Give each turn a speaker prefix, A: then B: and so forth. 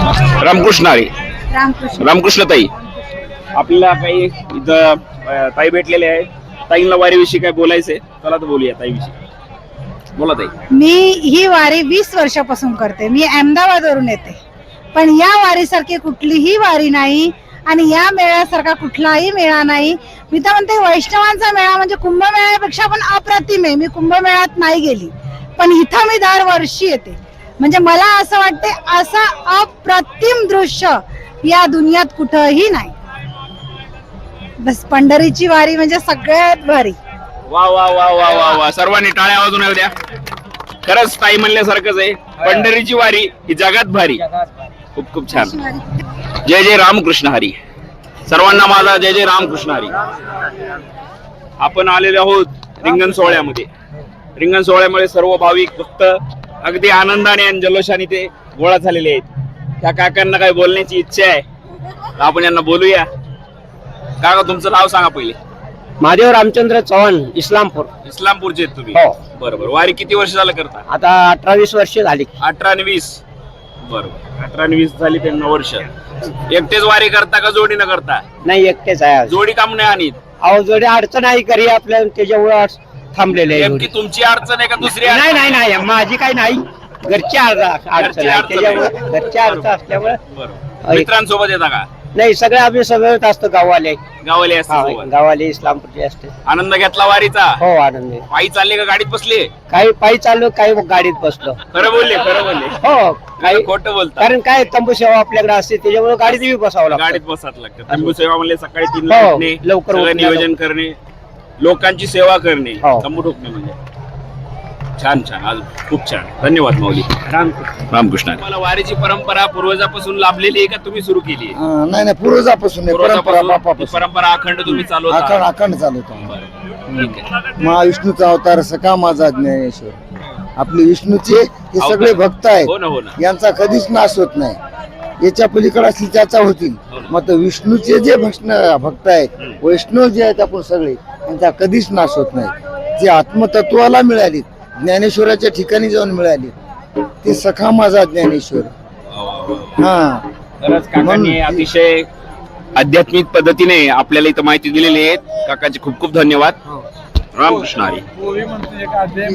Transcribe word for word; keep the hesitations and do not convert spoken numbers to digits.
A: रामकृष्ण हरी.
B: रामकृष्ण.
A: रामकृष्ण ताई, आपल्याला काही इथं अं, ताई भेटलेले आहे. ताईंना वारीविषयी काय बोलायचंय, चला तर बोलूया ताईविषयी. बोला ताई.
B: मी ही वारी वीस वर्षापासून करते. मी अहमदाबाद वरून येते, पण या वारीसारखी कुठलीही वारी नाही आणि या मेळ्यासारखा कुठलाही मेळा नाही. मी तर म्हणते वैष्णवांचा मेळा म्हणजे कुंभमेळ्यापेक्षा पण अप्रतिम आहे. मी कुंभमेळ्यात नाही गेली, पण इथं मी दरवर्षी येते. म्हणजे मला असं वाटते असं अप्रतिम दृश्य या दुनियात कुठंही नाही. बस पंढरीची वारी म्हणजे सगळ्यात भारी.
A: वा वा वा वा वा वा, सर्वांनी टाळ्या वाजून येऊ द्या. खरंच ताई म्हणल्यासारखंच आहे, पंढरीची वारी ही जगात भारी. खूप खूप छान. जय जय रामकृष्ण हरी. सर्वांना माझा जय जय रामकृष्ण हरी. आपण आलेलो आहोत रिंगण सोहळ्यामध्ये. रिंगण सोहळ्यामुळे सर्व भाविक भक्त अगदी आनंदाने आणि जल्लोषाने ते गोळा झालेले आहेत. त्या काकांना काही बोलण्याची इच्छा आहे, तर आपण यांना बोलूया. काका, तुमचं नाव सांगा पहिले.
C: महादेव रामचंद्र चव्हाण, इस्लामपूर.
A: इस्लामपूरचे आहेत तुम्ही?
C: हो.
A: बरोबर. वारी किती वर्ष झालं करता?
C: आता अठरा वीस वर्ष झाली.
A: अठरा आणि वीस. बरोबर, अठरा आणि वीस झाली त्यांना वर्ष. एकटेच वारी करता का जोडीनं करता?
C: नाही, एकटेच आहे.
A: जोडी काम नाही आणीत?
C: अहो, जोडी अडचण आहे घरी आपल्या, त्याच्यामुळे थांबलेले आहे.
A: नेमकी तुमची अडचण आहे का दुसरी?
C: नाही नाही नाही, माझी काही नाही, घरची अडचण आहे. त्याच्यामुळे घरची अडचण असल्यामुळे.
A: बरोबर. मित्रांसोबत येता का?
C: नाही, सगळे आम्ही सगळं असतो. गावाले
A: गावाले असतात?
C: गावाले इस्लामपूरचे असते.
A: आनंद घेतला वारीचा?
C: हो, आनंद.
A: पायी चालले का गाडीत बसले?
C: काही पायी चाललो, काही गाडीत बसलो.
A: खरं बोलले? खरं बोलले?
C: हो, काही
A: खोटं बोलता?
C: कारण काय तंबू सेवा आपल्याकडे असते, त्याच्यामुळे गाडीत बी बसावं लागतं.
A: गाडीत बसावं लागतं. तंबू सेवा म्हणले सकाळी तीन
C: हो,
A: उठणे,
C: लवकर
A: सगळं
C: उठणे,
A: नियोजन करणे, लोकांची सेवा करणे,
C: हो.
A: तंबू ठोकणे. म्हणजे छान छान. आज खूप छान. धन्यवाद माऊली.
C: रामकृष्ण.
A: रामकृष्ण. मला वारीची परंपरा पूर्वजापासून लाभलेली आहे का तुम्ही सुरू केली?
D: नाही नाही, पूर्वजापासून आहे, परंपरा बापापासून.
A: परंपरा अखंड तुम्ही चालवता?
D: अखंड अखंड चालवतो.
A: ठीक आहे.
D: महाविष्णूचा अवतार सखा माझा ज्ञानेश्वर. आपले विष्णूचे हे सगळे भक्त आहेत,
A: हो ना, हो ना.
D: यांचा कधीच नाश होत नाही. याच्या पलीकडे असली त्याचा होतील. मग विष्णूचे जे भक्षण भक्त आहेत, वैष्णव जे आहेत आपण सगळे, यांचा कधीच नाश होत नाही. जे आत्मतत्वाला मिळाली, ज्ञानेश्वराच्या ठिकाणी जाऊन मिळाली, ते सखा माझा ज्ञानेश्वर. हा,
A: खरंच काकांनी अतिशय आध्यात्मिक पद्धतीने आपल्याला इथं माहिती दिलेली आहे. काकाचे खूप खूप धन्यवाद. रामकृष्ण हरी.